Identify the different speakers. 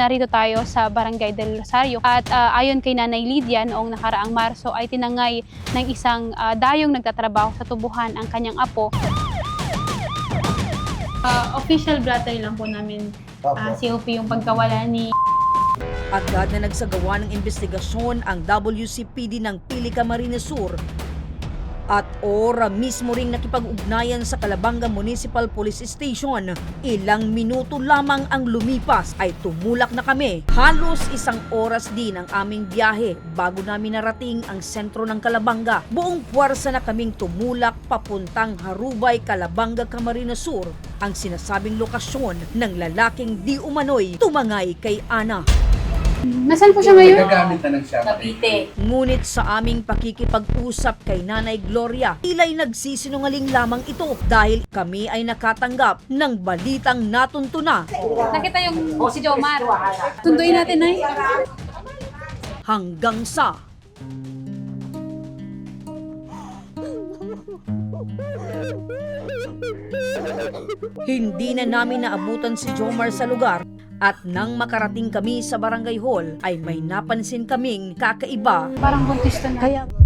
Speaker 1: narito tayo sa Barangay del Rosario at ayon kay Nanay Lydia noong nakaraang Marso ay tinangay ng isang dayong nagtatrabaho sa tubuhan ang kanyang apo. Official blatter lang po namin COP yung pagkawala ni.
Speaker 2: Agad na nagsagawa ng investigasyon ang WCPD ng Pili, Camarines Sur at ora mismo ring nakipag-ugnayan sa Calabanga Municipal Police Station. Ilang minuto lamang ang lumipas ay tumulak na kami. Halos 1 oras din ang aming biyahe bago namin narating ang sentro ng Calabanga. Buong puwersa na kaming tumulak papuntang Harubay, Calabanga, Camarines Sur, ang sinasabing lokasyon ng lalaking di umano'y tumangay kay Ana.
Speaker 1: Nasaan po siya ngayon?
Speaker 3: Nagagamit na lang siya.
Speaker 4: Cavite.
Speaker 2: Ngunit sa aming pakikipag-usap kay Nanay Gloria, tila'y nagsisinungaling lamang ito dahil kami ay nakatanggap ng balitang natuntuna.
Speaker 1: Nakita yung si Jomar. Tunduin natin, Nay.
Speaker 2: Hanggang sa hindi na namin naabutan si Jomar sa lugar. At nang makarating kami sa barangay hall ay may napansin kaming kakaiba.
Speaker 1: Parang buntis to na.
Speaker 2: Kaya